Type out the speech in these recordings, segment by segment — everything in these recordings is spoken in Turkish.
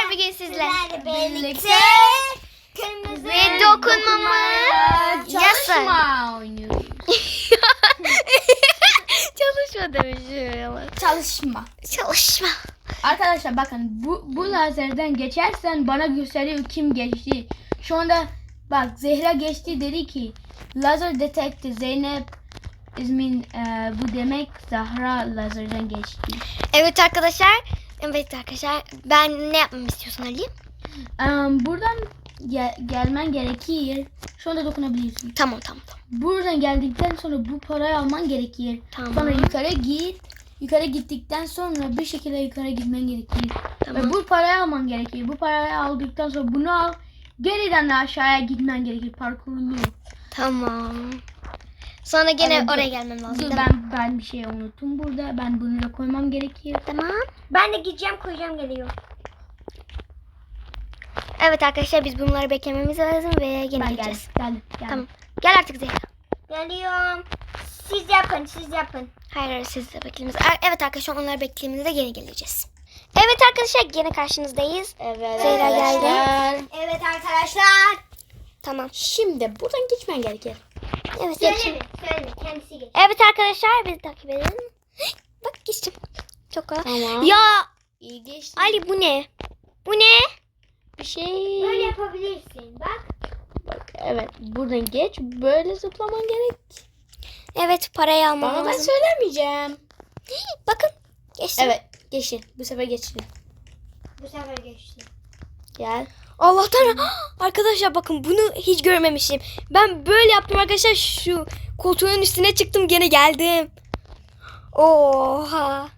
bugün sizlerle birlikte kırmızı ve dokunmamaya çalışma oynuyoruz. Çalışma demişim ama. Çalışma. Arkadaşlar bakın bu lazerden geçersen bana gösteriyor kim geçti. Şu anda bak Zehra geçti dedi ki lazer detekti Zeynep İzmin bu demek Zahra lazerden geçti. Evet arkadaşlar. Ben ne yapmamı istiyorsun Ali? Buradan gelmen gerekir. Şu anda dokunabilirsin. Tamam. Buradan geldikten sonra bu parayı alman gerekir. Tamam. Sonra yukarı git. Yukarı gittikten sonra bir şekilde yukarı gitmen gerekir. Tamam. Ve bu parayı alman gerekir. Bu parayı aldıktan sonra bunu al. Geriden de aşağıya gitmen gerekir. Parkurunu. Tamam. Sonra gene Evet, oraya gelmem lazım. Dur değil mi? ben bir şey unuttum burada. Ben bunu da koymam gerekir. Tamam. Ben de gideceğim koyacağım geliyor. Evet arkadaşlar biz bunları beklememiz lazım ve gene Ben gideceğiz. geldim. Tamam. Gel artık Zehra. Geliyorum. Siz yapın. Hayır siz de beklememiz. Evet arkadaşlar onları beklediğimizde gene geleceğiz. Evet arkadaşlar gene karşınızdayız. Evet. Zehra geldi. Evet arkadaşlar. Tamam. Şimdi buradan geçmen gerekir. Evet. Söyle kendisi geç. Evet arkadaşlar bizi takip edin. Bak geçtim. Çok kolay. Tamam. Ya İyi geçti. Ali bu ne? Bu ne? Bir şey. Böyle yapabilirsin. Bak. Bak evet buradan geç. Böyle zıplaman gerek. Evet parayı almam Bana ben lazım. söylemeyeceğim. Bakın geçtim. Evet geçin. Bu sefer geçin. Bu sefer geçti. Gel. Allah'tan arkadaşlar bakın bunu hiç görmemişim. Ben böyle yaptım arkadaşlar şu koltuğun üstüne çıktım gene geldim. Oha.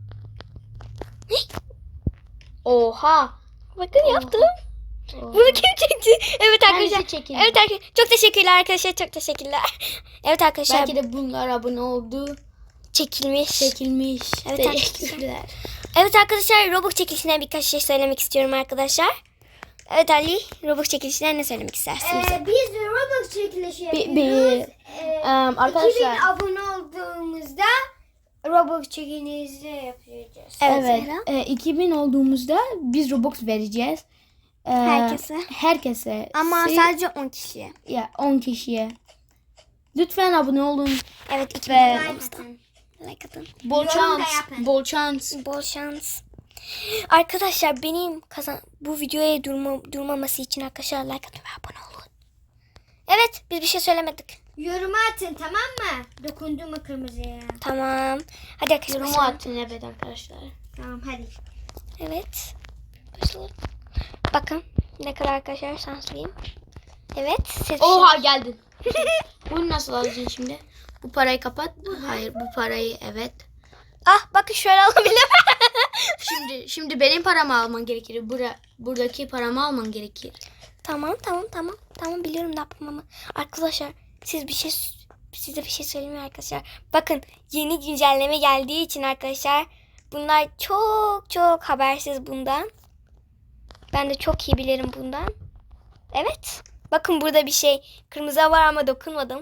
Oha. Bakın yaptım. Oha. Bunu kim çekti? Evet arkadaşlar. Kendisi çekildi. Evet arkadaşlar. Çok teşekkürler arkadaşlar. Çok teşekkürler. Evet arkadaşlar. Belki de bunlar abone oldu. Çekilmiş. Çekilmiş. Evet Teşekkürler. Evet arkadaşlar Robux çekilişinden birkaç şey söylemek istiyorum arkadaşlar. Evet Ali Robux çekilişinden ne söylemek istersin bize? Biz de Roblox çekilişi yapıyoruz. Arkadaşlar. 2000 abone olduğumuzda Roblox çekilişi yapacağız. Evet, Evet. 2000 olduğumuzda biz Robux vereceğiz. Herkese. Ama sadece 10 kişiye. Ya 10 kişiye. Lütfen abone olun. Evet 2000 Ve olduğumuzda. Like atın. bol Yorum da şans. yapın. Bol şans. Bol şans. Arkadaşlar benim bu videoya durmaması için arkadaşlar like atın ve abone olun. Evet biz bir şey söylemedik. Yoruma atın tamam mı? Dokundu mu kırmızıya? Tamam. Hadi arkadaşlar Yorumu başlayalım. atın evet arkadaşlar. Tamam hadi. Evet. Başlayalım. Bakın ne kadar arkadaşlar şanslıyım. Evet. Ses Oha geldin. Bunu nasıl alacaksın şimdi? Bu parayı kapat. Hayır bu parayı evet. Ah bakın şöyle alabilirim. Şimdi benim paramı alman gerekir. Buradaki paramı alman gerekir. Tamam biliyorum ne yapmamı. Arkadaşlar size bir şey söyleyeyim mi arkadaşlar? Bakın yeni güncelleme geldiği için arkadaşlar bunlar çok habersiz bundan. Ben de çok iyi bilirim bundan. Evet. Bakın burada bir şey kırmızı var ama dokunmadım.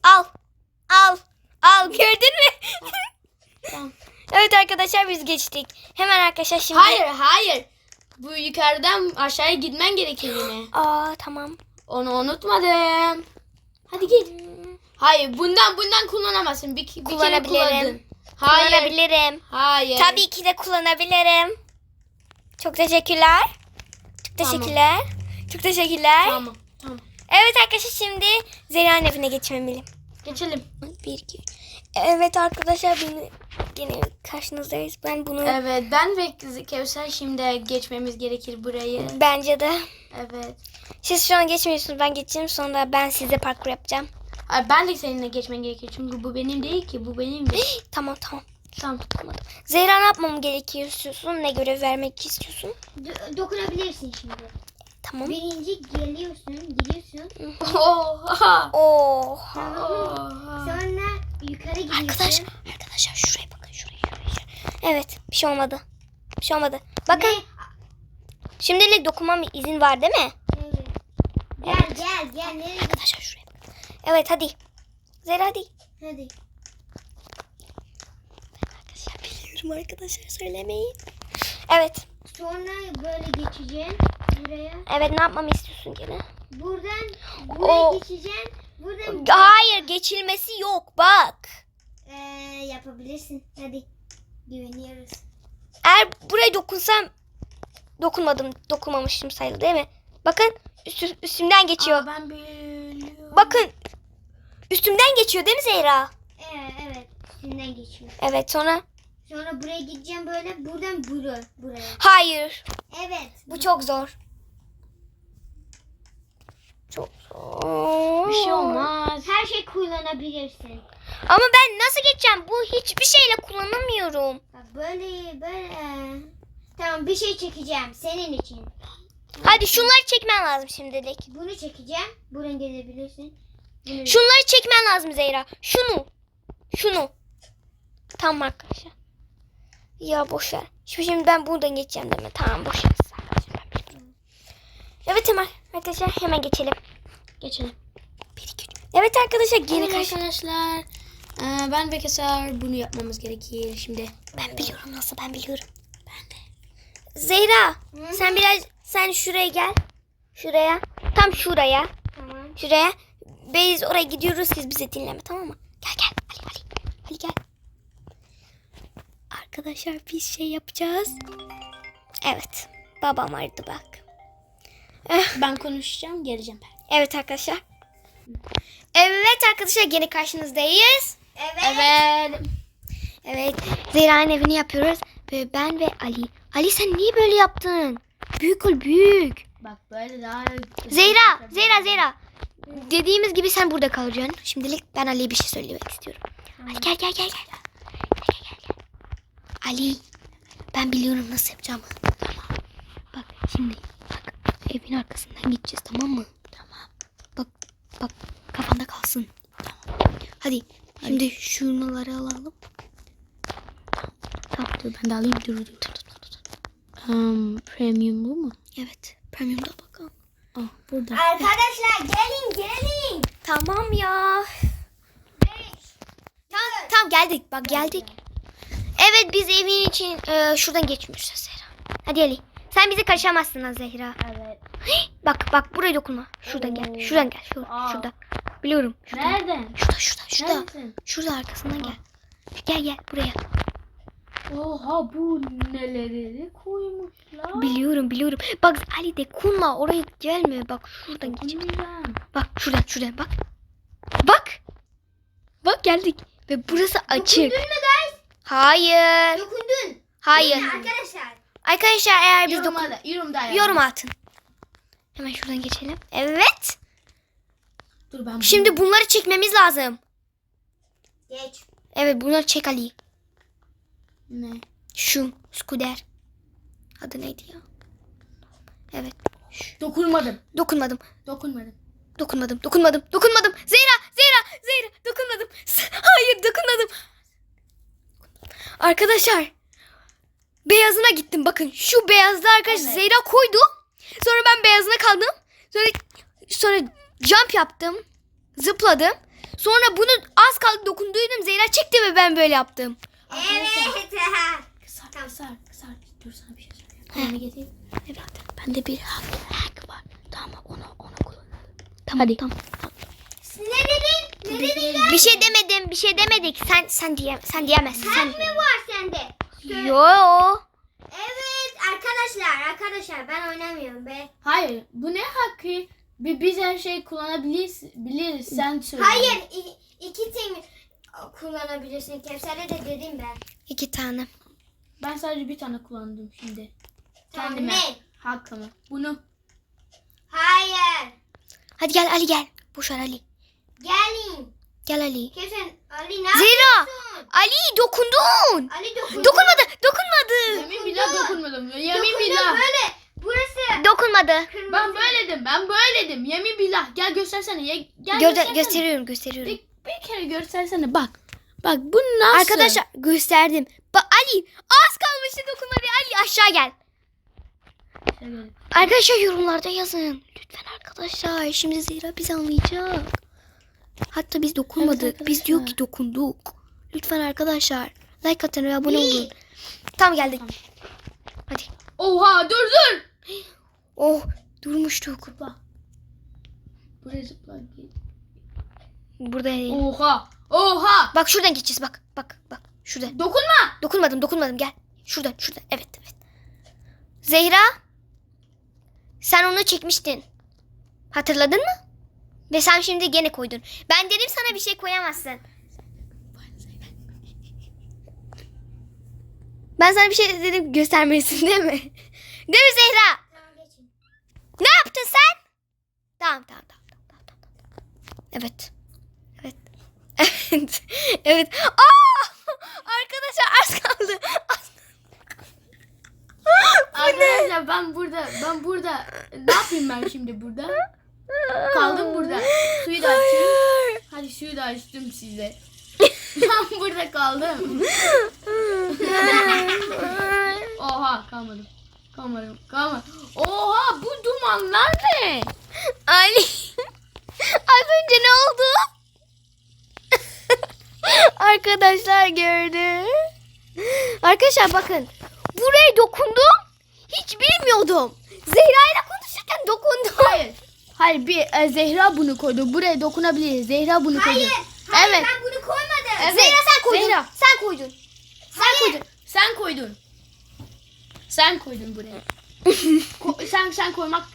Al gördün mü? Tamam. Evet arkadaşlar biz geçtik. Hemen arkadaşlar şimdi. Hayır. Bu yukarıdan aşağıya gitmen gerekir yine. Aa tamam. Onu unutmadım. Hadi git. Hayır bundan kullanamazsın. Bir kere Kullanabilirim. kullandın. Hayır. Kullanabilirim. Hayır. Tabii ki de kullanabilirim. Çok teşekkürler. Çok teşekkürler. Tamam. Evet arkadaşlar şimdi Zehra'nın evine geçmeliyim. Geçelim. 1 2. Evet arkadaşlar yine karşınızdayız. Ben bunu Evet ben ve Kevser şimdi geçmemiz gerekir burayı. bence de Evet. siz şu an geçmiyorsunuz. Ben geçeceğim sonra ben size parkur yapacağım. Ay, ben de seninle geçmen gerekir. Çünkü bu benim değil ki. Bu benim de. Tamam. Tamam. Zehra ne yapmam gerekiyor istiyorsun? Ne görev vermek istiyorsun? Dokunabilirsin şimdi. Tamam. Birinci gidiyorsun. Oha. Oha. Tamam mı? Oha. Sonra yukarı gidiyorsun. Arkadaşlar şuraya bakın şuraya. Evet bir şey olmadı. Bakın şimdilik dokunmam izin var değil mi? Evet. Gel. Nereye Arkadaşlar şuraya bakın. Evet hadi. Zehra hadi. Hadi. Arkadaşlar biliyorum arkadaşlar söylemeyin. Evet Sonra böyle geçeceksin buraya. Evet, ne yapmamı istiyorsun gene? Buradan buraya O- geçeceksin. Buradan Hayır, geçilmesi yok bak. yapabilirsin. Hadi. Güveniyoruz. Eğer buraya dokunsam dokunmamışım sayılır değil mi? Bakın üstümden geçiyor. Aa, ben biliyorum. Bakın üstümden geçiyor değil mi Zehra? Evet. Üstünden geçiyor. Evet, sonra Sonra buraya gideceğim böyle. Buradan buraya. hayır. Evet. Bu çok zor. Çok zor. Bir şey olmaz. Her şey kullanabilirsin. Ama ben nasıl geçeceğim? Bu hiçbir şeyle kullanamıyorum. Bak böyle. Tamam, bir şey çekeceğim senin için. Hadi şunları çekmen lazım şimdilik. Bunu çekeceğim. Buradan gelebilirsin. Bunu... Şunları çekmen lazım Zehra. Şunu. Tamam arkadaşlar. Ya boş ver. Şimdi ben buradan geçeceğim değil mi? Tamam, boş ver. Evet, hemen arkadaşlar hemen geçelim. Geçelim. 1, 2, 3. Evet arkadaşlar, geri Evet karşı. arkadaşlar. Ben ve Keser bunu yapmamız gerekir şimdi. Ben biliyorum nasıl, ben biliyorum. Ben de. Zehra, sen şuraya gel. Şuraya. Tam şuraya. Tamam. Şuraya. Biz oraya gidiyoruz, siz bizi dinleme, tamam mı? Gel. Ali gel. Arkadaşlar bir şey yapacağız. Evet. Babam aradı bak. Ben konuşacağım, geleceğim ben. Evet arkadaşlar. Evet arkadaşlar, gene karşınızdayız. Evet. Evet. Zehra'nın evini yapıyoruz. Ve ben ve Ali. Ali, sen niye böyle yaptın? Büyük ol, büyük. Bak böyle daha... Zehra. Dediğimiz gibi sen burada kalacaksın. Şimdilik ben Ali'ye bir şey söylemek istiyorum. Ali gel. Gel. Ali, ben biliyorum nasıl yapacağımı. Tamam. Bak şimdi. Bak, evin arkasından gideceğiz, tamam mı? Tamam. Bak kafanda kalsın. Tamam. Hadi. Şimdi şunları alalım. Tamam. Dur ben de alayım. Dur. Premium bu mu? Evet. Premium'da bakalım. Burada. Arkadaşlar gelin. Tamam ya. Tamam geldik. Bak geldik. Evet, biz evin için şuradan geçmişiz Zehra. Hadi Ali. Sen bizi karışamazsın ha Zehra. Evet. Bak buraya dokunma. Şuradan gel. Şuradan gel. Şurada. Biliyorum. Şurada. Nereden? Şurada. Neredesin? Şurada arkasından gel. Gel buraya. Oha, bu neleri koymuşlar? Biliyorum. Bak Ali, dokunma. Oraya gelme. Bak şuradan geçeceğiz. Bak şuradan bak. Bak geldik. Ve burası açık. Dokundun mu guys? Hayır. Dokundun. Hayır. Arkadaşlar. Arkadaşlar, eğer biz Yorumda yorum atın. Hemen şuradan geçelim. Evet. Dur ben. Şimdi bunları çekmemiz lazım. Geç. Evet, bunları çek Ali. Ne? Şu Scooter. Adı neydi ya? Evet. Dokunmadım. Dokunmadım. Zehra. Dokunmadım. Hayır, dokunmadım. Arkadaşlar. Beyazına gittim. Bakın şu beyazda arkadaşlar Evet. Zehra koydu. Sonra ben beyazına kaldım. Sonra jump yaptım. Zıpladım. Sonra bunu az kaldı dokunduydum. Zehra çekti ve ben böyle yaptım. Evet. Kısar. Dur, sana bir şey söyleyeyim. Kalemi getireyim. Evet. Bende bir hack var. Tamam, onu kullanalım. Tamam. Hadi. Tamam. Ne dedin? Bir şey demedik. Sen diyemezsin. Sen mi var sende? Yo. Evet arkadaşlar ben oynamıyorum be. Hayır, bu ne hakkı? Biz her şeyi kullanabiliriz. Sen söyle. Hayır, iki tane kullanabilirsin. Kevser'e de dedim ben. 2 tane. Ben sadece bir tane kullandım şimdi. Tamam, Kendime. ne? Hakkımı. Bunu. Hayır. Hadi gel Ali gel. Boş ver Ali. Gelin. Gel Ali. Kevser, Ali ne Zehra. yapıyorsun? Ali dokundun. Ali dokundu. Dokunmadı. Yemin billah dokunmadım. Yemin Dokundu billah. böyle. Burası Dokunmadı. kırmızı. Ben böyledim. Yemin billah. Gel göstersene. Gel göstersene. Gösteriyorum. Bir kere göstersene. Bak bu nasıl? Arkadaşlar gösterdim. Bak Ali az kalmıştı dokunmadı. Ali aşağı gel. Evet. Arkadaşlar yorumlarda yazın. Lütfen arkadaşlar. Şimdi Zehra bizi anlayacak. Hatta biz dokunmadık. Evet biz diyor arkadaşlar. ki dokunduk. Lütfen arkadaşlar. Like atın ve abone olun. Tamam geldik. Tamam. Hadi. Oha dur. Oh durmuştuk. Zıpla. Buraya zıpla. Burada değil. Oha. Bak şuradan geçeceğiz bak. Bak. Şurada. Dokunmadım gel. Şuradan. Evet. Zehra. Sen onu çekmiştin. Hatırladın mı? Ve sen şimdi gene koydun. Ben dedim sana bir şey koyamazsın. Ben sana bir şey dedim göstermelisin değil mi? Değil mi Zehra? Tamam geçin. Ne yaptın sen? Tamam. Evet. Evet. Arkadaşlar az kaldı. Arkadaşlar ben burada ne yapayım ben şimdi burada? Kaldım burada. Suyu da açayım. Hadi suyu da açtım size. Ben burada kaldım. Oha kalmadım. Oha bu dumanlar ne? Ali. Az önce ne oldu? Arkadaşlar gördü. Arkadaşlar bakın. Buraya dokundum. Hiç bilmiyordum. Zehra ile konuşurken dokundum. Hayır Zehra bunu koydu. Buraya dokunabiliriz. Zehra bunu koydu. Hayır Evet. ben bunu koymadım. Evet. Zehra sen koydun. Zehra. Sen koydun. Sen koydun buraya. Sen koymak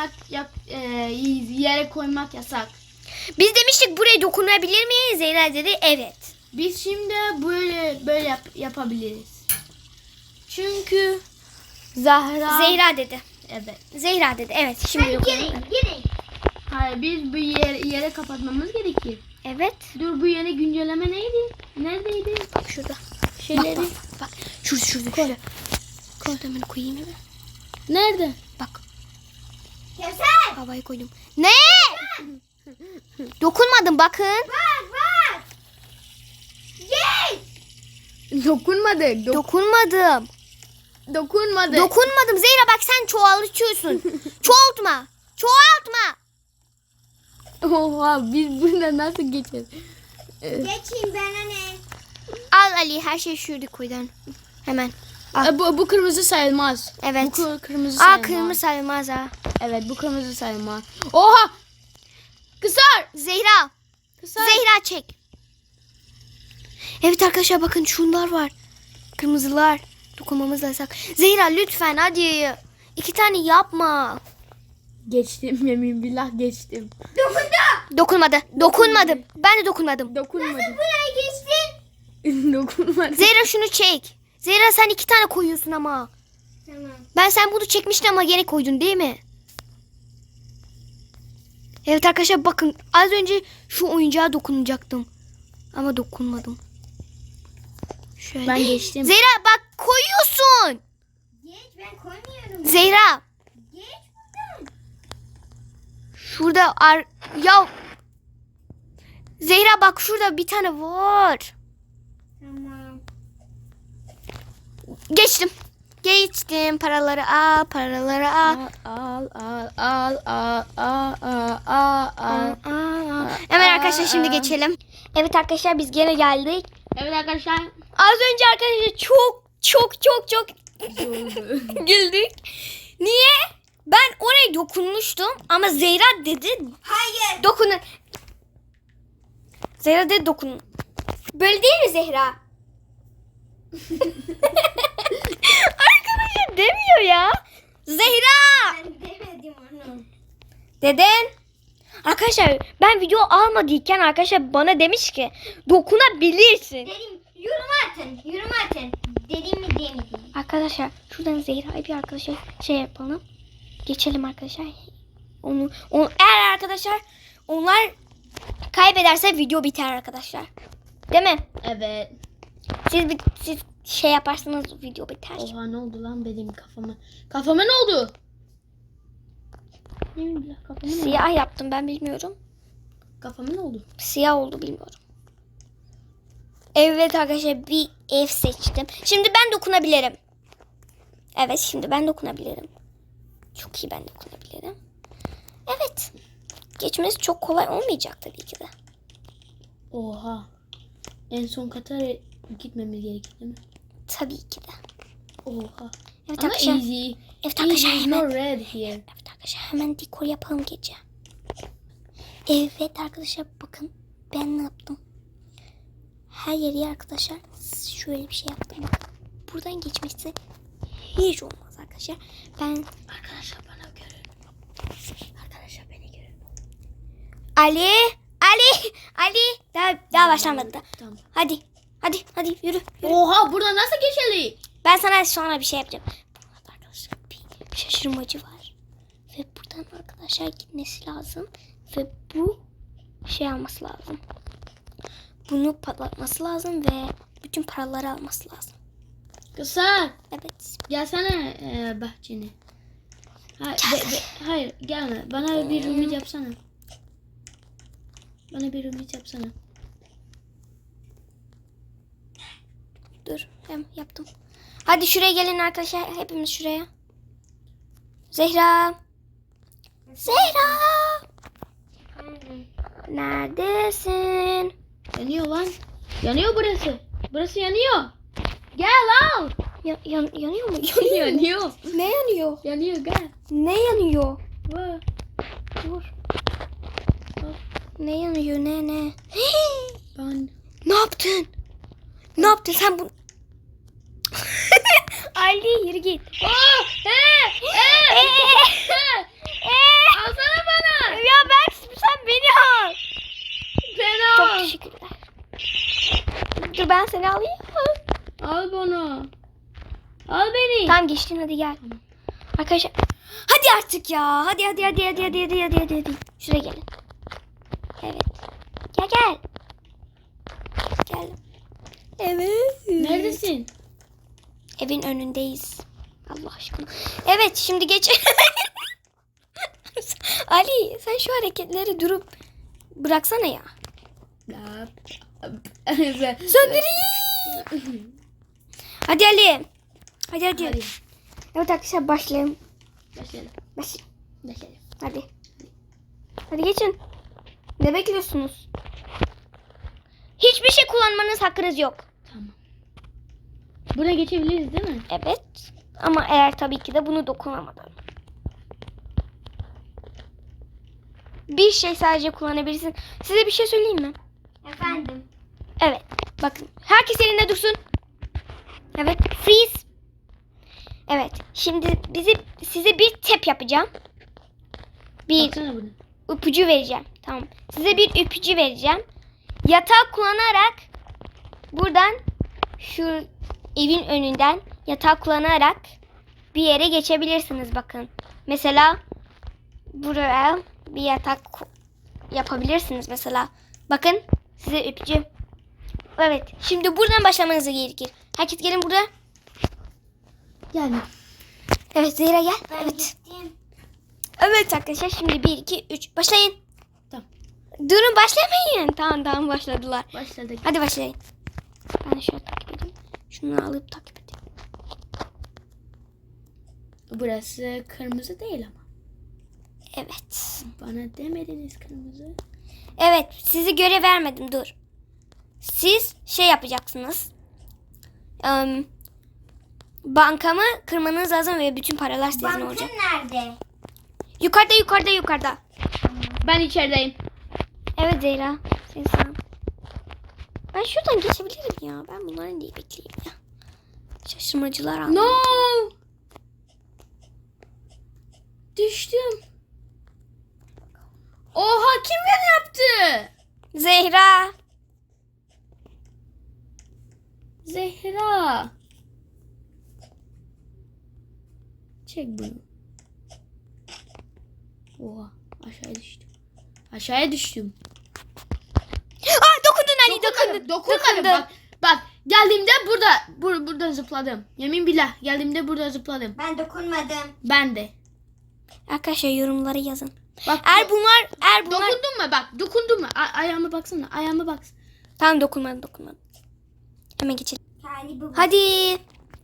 yere koymak yasak. Biz demiştik buraya dokunabilir miyiz? Zehra dedi evet. Biz şimdi böyle yapabiliriz. Çünkü Zehra dedi. Evet. Zehra dedi evet. Şimdi Hadi dokunalım. girin. Hayır biz bu yere kapatmamız gerekir. Evet. Dur bu yere güncelleme neydi? Neredeydi? Bak şurada. Şeyleri. Bak. Şurada. Koy. Şurada hemen koyayım hemen. Nerede? Bak. Kevser. Havaya koydum. Ne? Dokunmadım bakın. Bak. Gel. Dokunmadık. Dokunmadım. Dokunmadım. Zehra bak sen çoğaltıyorsun. Çoğaltma. Oha biz burada nasıl geçeceğiz? Geçin bana ne? Al Ali her şey şurada koydun. Hemen. Bu kırmızı sayılmaz. Evet. Bu kırmızı sayılmaz. Kırmızı sayılmaz ha. Evet bu kırmızı sayılmaz. Oha! Kısar! Zehra. Kısar! Zehra çek. Evet arkadaşlar bakın şunlar var. Kırmızılar. Dokunmamız yasak. Zehra lütfen hadi. 2 tane yapma. Geçtim yemin billah geçtim. Dokunmadım. Ben de dokunmadım. Dokunmadım. Buraya geçtin. Dokunmadım. Zehra şunu çek. Zehra sen 2 tane koyuyorsun ama. Tamam. Sen bunu çekmiştin ama gene koydun değil mi? Evet arkadaşlar bakın az önce şu oyuncağa dokunacaktım. Ama dokunmadım. Şöyle. Ben geçtim. Zehra bak koyuyorsun. Geç ben koymuyorum. Zehra Geç buradan. şurada ya Zehra bak şurada bir tane var. Tamam. Geçtim paraları al. Al. Hemen arkadaşlar şimdi geçelim. Evet arkadaşlar biz gene geldik. Evet arkadaşlar. Az önce arkadaşlar çok güldük. Niye? Ben oraya dokunmuştum ama Zehra dedi Hayır. dokunun. Zehra dedi dokunun. Böyle değil mi Zehra? Arkadaşlar demiyor ya. Zehra. Ben demedim onu. Deden. Arkadaşlar ben video almadıyken arkadaşlar bana demiş ki dokunabilirsin. Dedim yorum atın. Dedim mi demedim. Arkadaşlar şuradan Zehra'yı bir arkadaşlar şey yapalım. Geçelim arkadaşlar. Onu eğer arkadaşlar onlar kaybederse video biter arkadaşlar. Değil mi? Evet. Siz şey yaparsanız video biter. Oha ne oldu lan benim kafama? Kafama ne oldu? Ne bileyim kafama ne oldu? Siyah yaptım ben bilmiyorum. Kafama ne oldu? Siyah oldu bilmiyorum. Evet arkadaşlar bir ev seçtim. Şimdi ben dokunabilirim. Evet şimdi ben dokunabilirim. Çok iyi ben dokunabilirim. Evet. Geçmesi çok kolay olmayacak tabii ki de. Oha. En son kata gitmemiz gerekir değil mi? Tabii ki de. Oha. Evet Ama arkadaşlar. easy. Evet Easy arkadaşlar is hemen. no red here. Evet arkadaşlar hemen dekor yapalım gece. Evet arkadaşlar bakın ben ne yaptım. Her yeri arkadaşlar şöyle bir şey yaptım. Bakın buradan geçmesi hiç olmaz arkadaşlar. Ben Arkadaşlar bana görün. Arkadaşlar beni görün. Ali daha başlamadı da. Tamam. Hadi yürü. Oha burada nasıl geçeli? Ben sana sonra bir şey yapacağım. Burada arkadaşlar bir şaşırmacı var. Ve buradan arkadaşlar gitmesi lazım. Ve bu şey alması lazım. Bunu patlatması lazım ve bütün paraları alması lazım. Kızlar Evet. gelsene bahçene. Hayır gelme. Bana bir ümit yapsana. Bana bir ümit yapsana. Dur hem yaptım. Hadi şuraya gelin arkadaşlar. Hepimiz şuraya. Zehra. Neredesin? Yanıyor lan. Yanıyor burası. Burası yanıyor. Gel al. Yanıyor mu? Yanıyor. Ne yanıyor? Yanıyor gel. Ne yanıyor? Vah. Dur. Ne yanıyor? Ne? Ben. Ne yaptın? Ne yaptın sen bu? Ali yürü git. Alsana bana. Ya ben sen beni al. Ben Çok al. teşekkürler. Dur ben seni alayım. Al bunu. Al beni. Tamam geçtin hadi gel. Arkadaşlar hadi artık ya. Hadi. Şuraya gelin. Evet. Gel. Gel. Evet. Neredesin? Evin önündeyiz. Allah aşkına. Evet şimdi geç. Ali sen şu hareketleri durup bıraksana ya. Söndüreyim. Hadi Ali. Hadi. Hadi. Evet arkadaşlar başlayalım. Başlayalım. Başlayalım. Hadi. Hadi geçin. Ne bekliyorsunuz? Hiçbir şey kullanmanız hakkınız yok. Tamam. Buraya geçebiliriz değil mi? Evet. Ama eğer tabii ki de bunu dokunamadan. Bir şey sadece kullanabilirsin. Size bir şey söyleyeyim mi? Efendim. Evet. Bakın. Herkes yerinde dursun. Evet. Freeze. Evet. Şimdi size bir tep yapacağım. Bir Baksana bunu. ipucu vereceğim. Tamam. Size bir ipucu vereceğim. Yatağı kullanarak buradan şu evin önünden yatağı kullanarak bir yere geçebilirsiniz bakın. Mesela buraya bir yatak yapabilirsiniz mesela. Bakın size ipucu. Evet. Şimdi buradan başlamanız gerekir. Herkes gelin buraya. Yani. Evet Zehra gel. Ben Evet. gittim. Evet arkadaşlar şimdi 1 2 3 başlayın. Tamam. Durun başlamayın. Tamam başladılar. Başladık. Hadi başlayın. Ben şöyle takip edeyim. Şunu alıp takip edeyim. Burası kırmızı değil ama. Evet. Bana demediniz kırmızı. Evet sizi görev vermedim dur. Siz şey yapacaksınız. Bankamı kırmanız lazım ve bütün paralar sizin Bankın olacak. nerede? Yukarıda. Ben içerideyim. Evet Zehra. Sen sağ ol. Ben şuradan geçebilirim ya. Ben bunların diye bekleyeyim ya. Şaşırmacılar aldım. No. Düştüm. Oha kim beni yaptı? Zehra. Zehra. Çek bunu. Oha aşağıya düştüm. Dokundun Ali dokundun. Dokunmadım. Bak geldiğimde burada zıpladım. Yemin billah geldiğimde burada zıpladım. Ben dokunmadım. Ben de. Arkadaşlar yorumlara yazın. Bak Eğer bunlar dokundun mu bak dokundun mu? Ayağıma baksana ayağıma bak. Tamam dokunmadım. Hemen geçelim. Hadi bu. Hadi.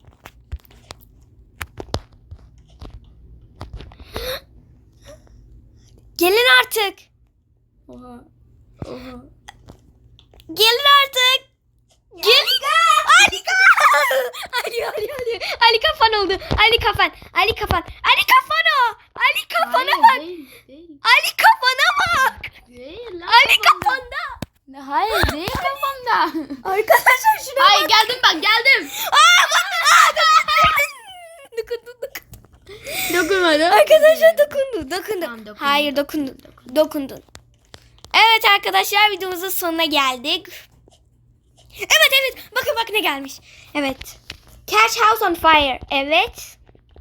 Gelin artık. Oha. Gelin artık. Gelin. Harika. Ali kafan oldu. Ali kafan. Ali kafan. Ali kafan o. Ali kafana bak. Değil. Ali kafana bak. Değil lan Ali kafamda. kafanda. Hayır değil kafamda. Arkadaşlar şuna Hayır geldim bak geldim. Dokundu. Dokunmadım. Arkadaşlar dokundu. Tamam, dokundum. Hayır dokundun. Evet arkadaşlar videomuzun sonuna geldik. Evet. Bakın ne gelmiş. Evet. Catch House on Fire. Evet.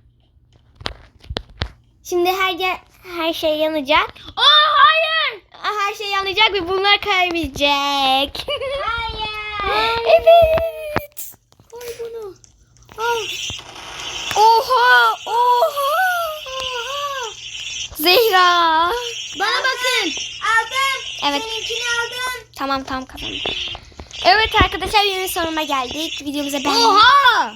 Şimdi her şey yanacak. Hayır. Her şey yanacak ve bunlar kaybedecek. Hayır. Evet. Koy bunu. Oha. Zehra. Bana bakın. Aldım. Evet. Seninkini aldım. Tamam kafam. Evet arkadaşlar yeni sonuna geldik. Videomuza beğenin. Oha.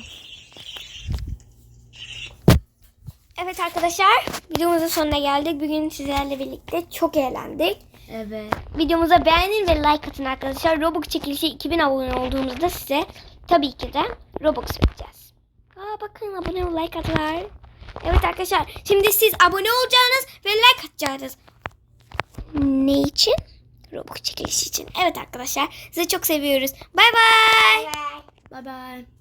Evet arkadaşlar videomuzun sonuna geldik. Bugün sizlerle birlikte çok eğlendik. Evet. Videomuza beğenin ve like atın arkadaşlar. Robux çekilişi 2000 abone olduğumuzda size tabii ki de Robux vereceğiz. Bakın abone ol, like atlar. Evet arkadaşlar şimdi siz abone olacaksınız ve like atacaksınız. Ne için? Robux çekilişi için. Evet arkadaşlar sizi çok seviyoruz. Bay bay. Bye. Bye bye.